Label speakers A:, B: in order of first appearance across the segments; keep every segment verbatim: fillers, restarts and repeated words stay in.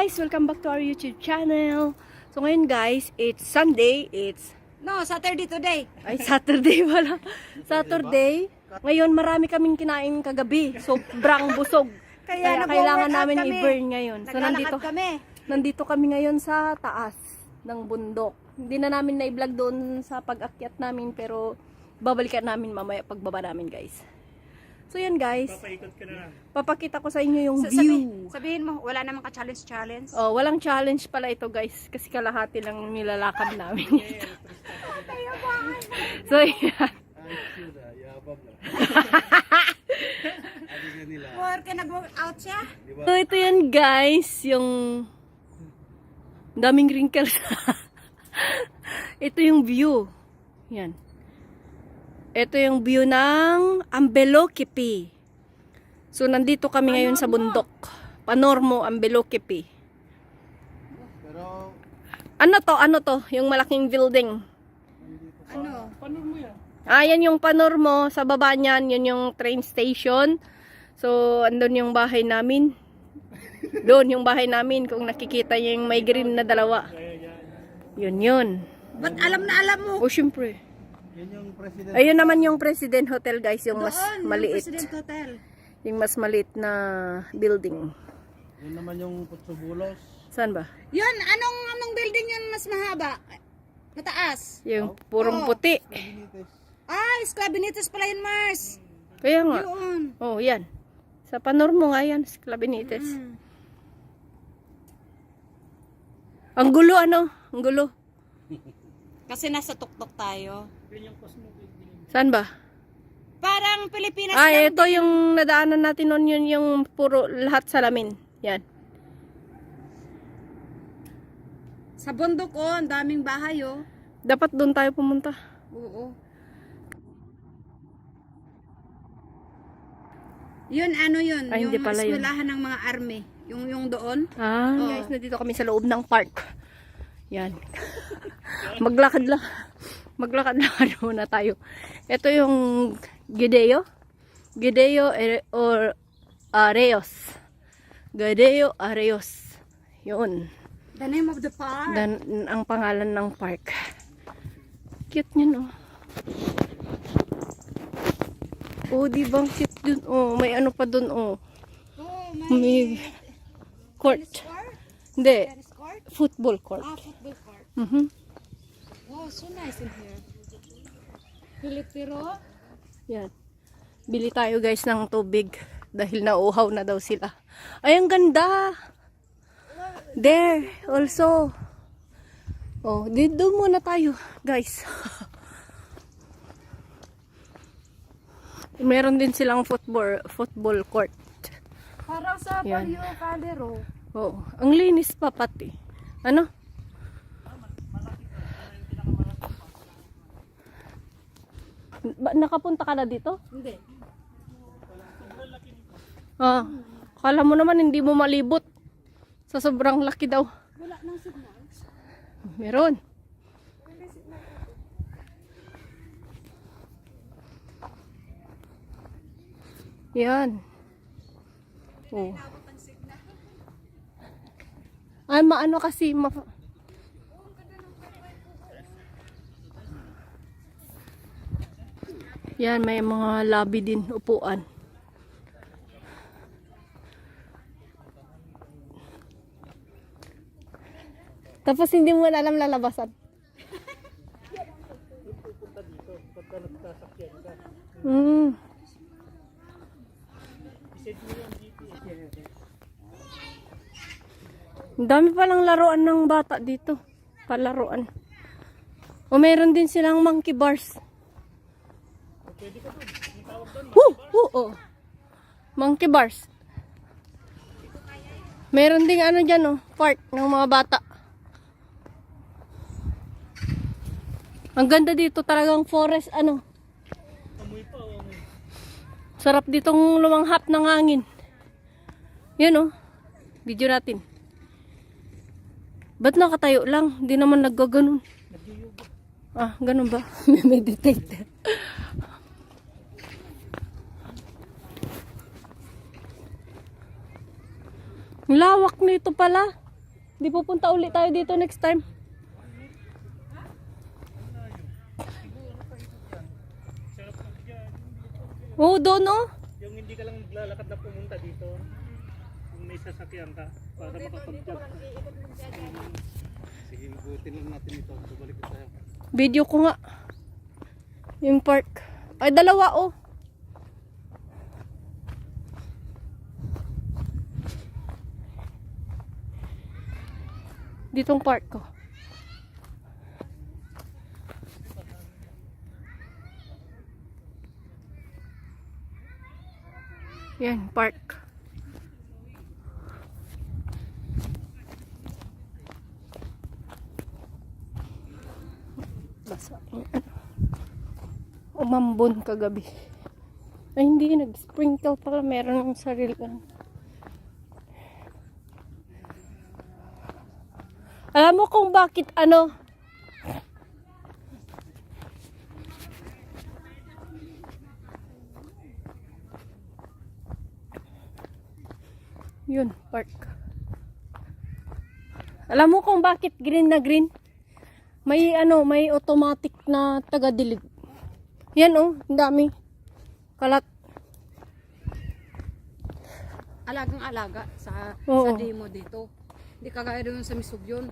A: guys! Welcome back to our YouTube channel. So ngayon guys, it's Sunday. It's...
B: No, Saturday today.
A: Ay, Saturday wala. Saturday. Ngayon marami kaming kinain kagabi. Sobrang busog. Kaya,
B: Kaya
A: kailangan
B: nag-workout
A: namin
B: kami.
A: i-burn ngayon. So
B: Naglalakad
A: nandito,
B: kami.
A: nandito kami ngayon sa taas ng bundok. Hindi na namin na-vlog doon sa pag-akyat namin, pero babalikan namin mamaya pagbaba namin guys. So yan guys,
C: Papaikot ka na.
A: papakita ko sa inyo yung
B: Sa-
A: view.
B: sabi- sabihin mo, wala namang ka-challenge challenge.
A: Oh, walang challenge pala ito guys, kasi kalahati lang nilalakad namin. So yan.
B: Work and nag-workout siya.
A: So ito yan guys, yung daming wrinkles. Ito yung view. Yan. Ito yung view ng Ambeloquipi. So nandito kami ngayon sa bundok. Panormo, Ambeloquipi.
C: Pero,
A: Ano to? Ano to? Yung malaking building.
B: Ano?
C: paano mo yan?
A: Ah, yan yung Panormo. Sa baba niyan, yun yung train station. So, andun yung bahay namin. Doon yung bahay namin. Kung nakikita niyo yung may green na dalawa. Yun yun.
B: Ba't alam na alam mo?
A: O, syempre.
C: Yan yung president.
A: Ayun naman yung President Hotel, guys. Yung mas
B: Doon, yung
A: maliit.
B: President Hotel.
A: Yung mas maliit na building.
C: Yan naman yung Putsubulos.
A: Saan ba?
B: Yun, anong anong building yun mas mahaba? Mataas.
A: Yung purong
B: Oo.
A: puti.
C: Benitez.
B: Ah, Esclavinitas pala yun, Mars.
A: Kaya nga.
B: Yun.
A: Oh, yan. Sa Panormo nga yan. Sa Clabinites.
B: Mm.
A: Ang gulo, ano? Ang gulo.
B: Kasi nasa tuktok tayo.
A: Saan ba?
B: Parang Pilipinas
A: Ah,
B: lang.
A: ito yung nadaanan natin noon, yun yung puro lahat salamin. Yan.
B: Sa bundok, oh, ang daming bahay, oh.
A: Dapat doon tayo pumunta.
B: Oo. Yun, ano yun?
A: Ay,
B: yung
A: hindi pala yun.
B: eskwelahan ng mga army. Yung, yung doon.
A: Ah,
B: Oo.
A: guys, nandito kami sa loob ng park. Yan. Maglakad lang. Maglakad-lakad muna tayo. Ito yung Gideo. Gideo Are- or Areos. Gideo Areos. Yun.
B: The name of the park.
A: Dan, ang pangalan ng park. Cute niya, no? Oh, di ba ang cute dun? Oh, may ano pa dun, oh.
B: oh, may
A: May court.
B: tennis court?
A: Hindi,
B: Tennis court?
A: football court.
B: Ah, football court.
A: Mhm.
B: Wow, so nice in here. Pilipiro?
A: Yan. Bili tayo guys ng tubig dahil nauuhaw na daw sila. Ay, ang ganda! There, also. Oh, dito muna tayo, guys. Meron din silang football football court.
B: Parang sa
A: Yan.
B: Palio Calero.
A: Oh, ang linis pa pati. Ano? Ba, nakapunta ka na dito?
B: Hindi.
A: Ah, kala mo naman hindi mo malibot. Sa sobrang laki daw.
B: Wala nang signals.
A: Meron. Yan. Oh. Ay, maano kasi ma Yan, may mga lobby din, upuan. Tapos hindi mo na alam lalabasan. Hmm. Ang dami palang laruan ng bata dito. Palaruan. O meron din silang monkey bars. Woo! Woo! Oh. Monkey bars. Meron ding ano dyan, oh, park ng mga bata. Ang ganda dito, talagang forest, ano. Sarap ditong lumanghap ng hangin. Yan, oh. Video natin. Ba't nakatayo lang? Hindi naman naggaganon. Ah, ganun ba? Meditate. Lawak nito pala. Di pupunta ulit tayo dito next time. Oo, doon oh.
C: Yung hindi ka lang naglalakad na pumunta dito. Yung may sasakyan ka para makapag-jog ka. Sige, butin lang natin ito. Babalik tayo.
A: Video ko nga. Yung park. Ay, dalawa oh. Ditong park ko. Yan, park. Basa. Umambon kagabi. Ay, hindi. Nag-sprinkle pala. Meron ng sarili. Alam mo kung bakit ano? Yun, park. Alam mo kung bakit green na green? May ano, may automatic na taga-dilig. Yan oh, ang dami. Kalat.
B: Alagang-alaga sa,
A: Oo.
B: sa demo dito. Hindi kagaya doon sa Misugyon.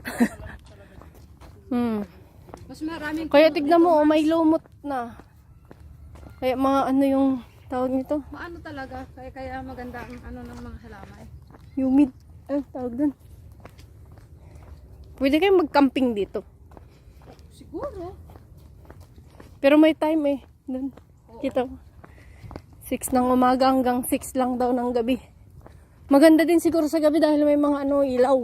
A: Hmm.
B: Mas maraming...
A: Kaya tignan mo, oh, may lumot na. Kaya mga ano yung tawag nito?
B: Maano talaga, kaya kaya maganda ang ano ng mga halamay.
A: Humid. Ano tawag dun? Pwede kayong mag-camping dito.
B: Siguro.
A: Pero may time eh. Dun. Kita mo. six ng umaga hanggang six lang daw ng gabi. Maganda din siguro sa gabi dahil may mga ano ilaw.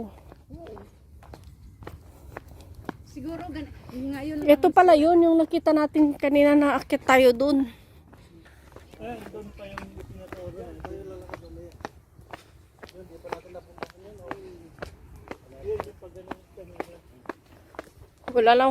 B: Siguro gan ngayon
A: Ito pala yun, yung nakita natin kanina na akit tayo dun.
C: Ayan, doon pa yung tinatawag yan. Tayo lalakad ulit. Yun, di pa natin napunta yun. Yun, yung pag ganun kanina.
A: Wala lang.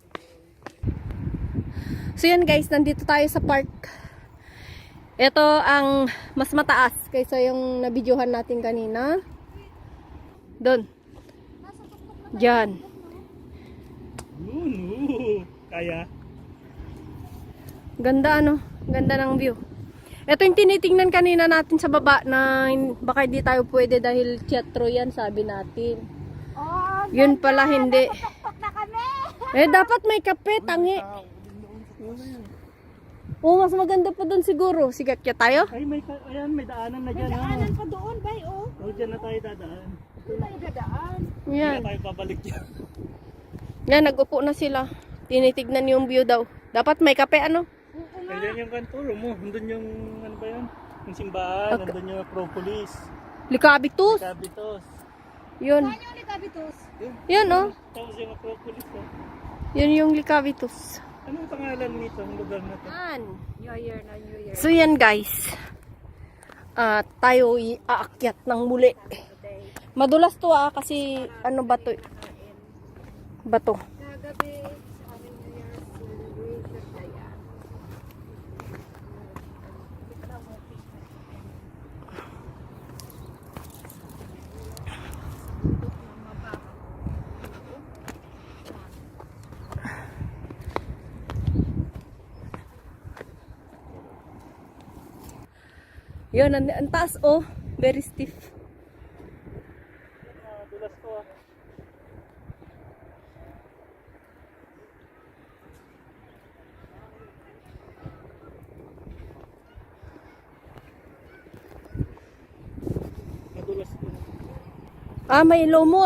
A: So yan guys, nandito tayo sa park. Ito ang mas mataas kaysa yung nabidyohan natin kanina. Doon. Diyan.
C: Yun, oo. Kaya.
A: Ganda ano? Ganda ng view. Ito yung tinitingnan kanina natin sa baba na baka hindi tayo pwede dahil teatro yan, sabi natin.
B: Oh,
A: Yun pala hindi.
B: na kami.
A: Eh dapat may kape, tangi. Oo, mas maganda pa doon siguro. Sigat kaya tayo?
C: Ay, may, ka- ayan, may daanan na
B: May
C: dyan.
B: daanan pa doon, bay, oh.
C: Oh, dyan na tayo dadaan.
B: Doon tayo dadaan.
C: Hindi
A: Yan.
C: na tayo babalik dyan.
A: Yan, nag-upo na sila. Tinitignan yung view daw. Dapat may kape ano?
B: Oo nga.
C: Nandiyan yung kanturo mo. Nandun yung, ano ba yan? Yung simbahan.
A: Okay.
C: Nandun yung Acropolis.
A: Likabitus.
C: Cabitos.
A: Yun.
B: Saan yung Likabitos?
A: Yan oh.
C: Tapos yung Acropolis. Oh.
A: Yun yung Likabitus.
C: Anong pangalan nito? Ang lugar na to?
A: Yan.
B: New Year na New Year.
A: So yan guys. Ah, tayo aakyat ng muli. Madulas to ah kasi ano ba to? Bato.
B: Kagabi sa aming New Year celebration na yan.
A: Yun, ang, ang taas oh. Very stiff.
C: Ah, dulas to ah. Madulas to.
A: Ah, may lumot.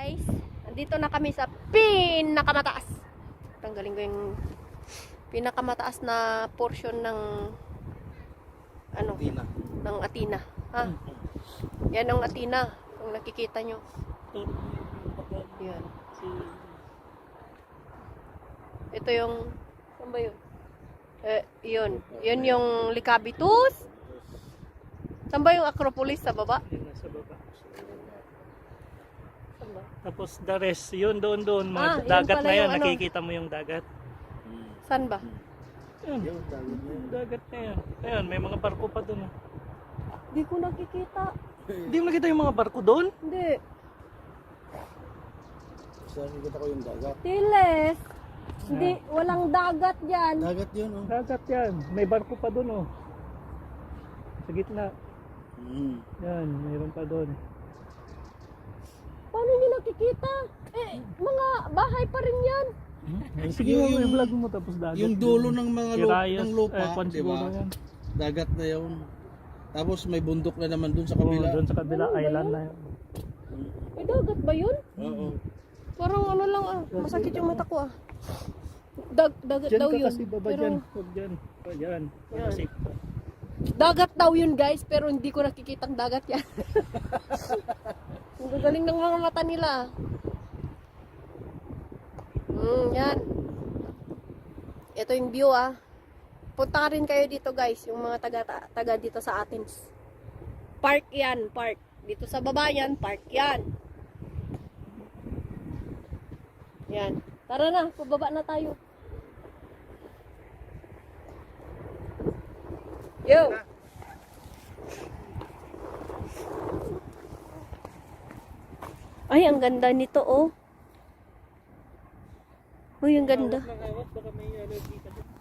A: guys. Andito na kami sa pinakamataas. Tanggalin ko yung pinakamataas na portion ng ano,
C: Tina.
A: ng Atina. Ha? Yan ang Atina. Kung nakikita nyo. Yan. Ito yung, saan ba yun? Eh, yun. Yun yung Likabitus. Saan ba yung Acropolis? Sa baba?
C: Yun, nasa baba.
A: Saan ba?
C: Tapos the rest, yun doon doon. Mga
A: Ah, yun
C: dagat
A: pala
C: na yun.
A: yung ano.
C: Nakikita mo yung dagat.
A: Saan ba?
C: Yun. Yung dagat na yun. Ayun, may mga barko pa doon. oh.
A: Hindi ko nakikita.
C: Hindi mo nakita yung mga barko doon?
A: Hindi.
D: Saan nakita ko yung dagat?
A: Tiles. Hindi, walang dagat dyan.
D: Dagat yun, oh.
C: Dagat yan. May barko pa doon oh. Sa gitna.
D: Mm.
C: Yan, mayroon pa doon.
A: Paano hindi nakikita? Eh, mga bahay pa rin yan.
C: Sige
D: Yung-
C: mo,
D: yung-
C: i-vlog mo tapos dagat.
D: Yung dulo ng mga lupa,
C: Kirayas,
D: ng lupa,
C: eh, kwan
D: di
C: siguro
D: ba?
C: yan.
D: Dagat na yun. Tapos may bundok na naman dun sa
C: Oo,
D: kabila.
C: doon sa kabila,
A: Ano ba
C: island
A: yun?
C: na yun.
A: May dagat ba yun?
D: Oo.
A: Parang ano lang ah, masakit yung mata ko ah. Dag, dagat
C: Diyan
A: daw
C: ka
A: yun.
C: kasi baba
A: Pero,
C: dyan. Huwag dyan. Huwag dyan.
A: Yan.
C: Kasi,
A: dagat daw yun guys, pero hindi ko nakikitang dagat yan. Ang gagaling ng mga mata nila. Hmm, yan. Ito yung view ah. Punta ka rin kayo dito guys, yung mga taga, taga dito sa Athens. Park yan, park. Dito sa baba yan, park yan. Yan. Tara na, pababa na tayo. Yo! Ay, ang ganda nito oh. Uy, ang ganda.
C: nakawat, baka may allergy ka doon.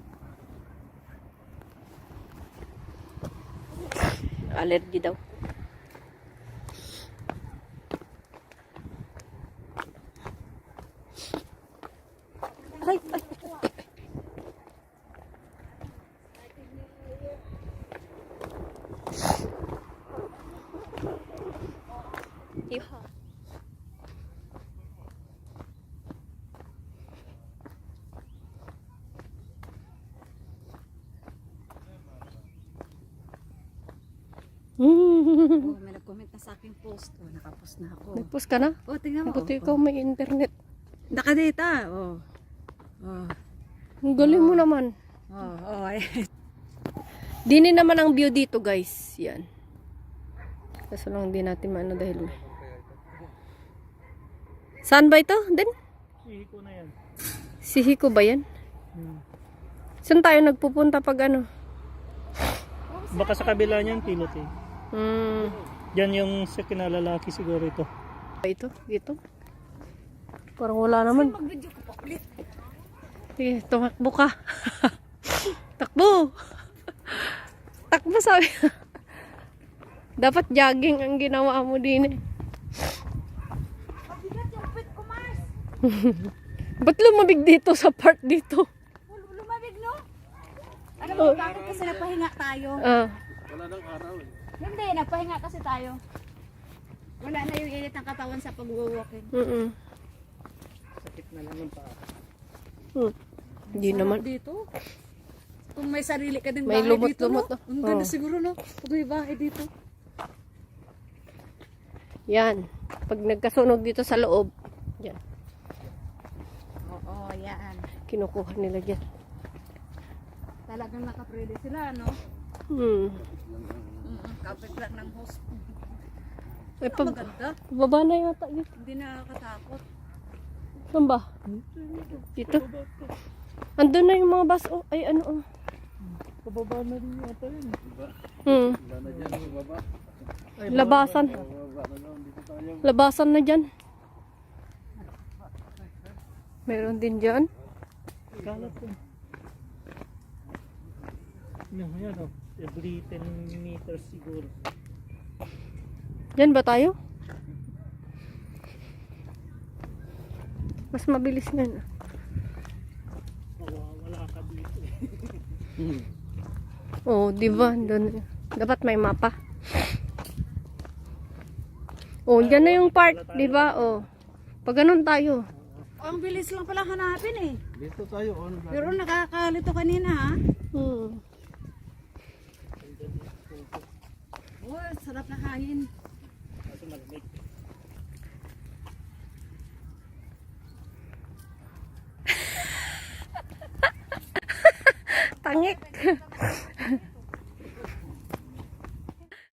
A: Allergy daw. Ay, ay. Iha.
B: Oh, may nag-comment na sa aking post. Oh, nakapost na ako.
A: Nag-post ka na?
B: Oh, tingnan mo.
A: Buti ikaw may internet.
B: Nakadata. Oh. Oh.
A: Ang galing mo naman.
B: Oh, oh. Ay.
A: Dini naman ang view dito guys. Yan. Kaso lang hindi natin maano dahil may. Saan ba ito? Din?
C: Ihi ko na yan.
A: Si Hiko ba yan?
C: Hmm.
A: Saan tayo nagpupunta pag ano?
C: Baka sa kabila niyan, pilot eh.
A: Hmm.
C: Yan yung sa kinalalaki siguro ito.
A: Ito? Dito? Parang wala naman.
B: Mag-video ko pa ulit.
A: Sige, tumakbo ka. Takbo! Takbo sabi. Dapat jogging ang ginawa mo din eh.
B: Mabigat yung pit ko, Mars.
A: Ba't lumabig dito sa part dito?
B: Lumabig, no? Ano mo, bakit kasi napahinga tayo?
A: Ah,
D: Wala nang araw eh.
B: Hindi, napahinga kasi tayo. Wala na yung init ng katawan sa pag-walking.
A: mm
C: Sakit na lang yung paa.
A: hmm. Hindi naman.
B: Dito. Kung may sarili ka din
A: May
B: bahay
A: lumot-lumot,
B: dito,
A: no?
B: no? Ang ganda
A: Oh.
B: siguro, no? Pag may bahay dito.
A: Yan. Pag nagkasunog dito sa loob, yan.
B: Oo, yan.
A: Kinukuha nila dyan.
B: Talagang nakaprede sila, no?
A: Hmm.
B: Mm, kapit lang ng host.
A: Ay, pab
B: Maganda.
A: pababa na yata yun.
B: Hindi nakakatakot.
A: Saan ba? Dito? Andun na yung mga bus. Oh, ay ano oh.
C: Pababa na rin yata yun.
A: Hmm.
D: Wala na dyan sa baba.
A: Labasan.
D: Baba na lang, dito tayo.
A: Labasan na dyan. Meron din dyan.
C: Kalat yun. Yan, yan oh. Every ten meters siguro.
A: Dyan ba tayo? Mas mabilis nga na.
C: Wala ka dito eh.
D: Hmm.
A: Oh, di ba? Doon. Dapat may mapa. Oh, dyan na yung part, di ba? Oh. Pag ganun tayo.
B: Ang bilis lang pala hanapin eh.
D: Dito tayo on.
B: Pero nakakalito kanina ha.
A: Hmm.
B: Oh, sarap na hangin.
C: Kaso malamig.
A: Tangik.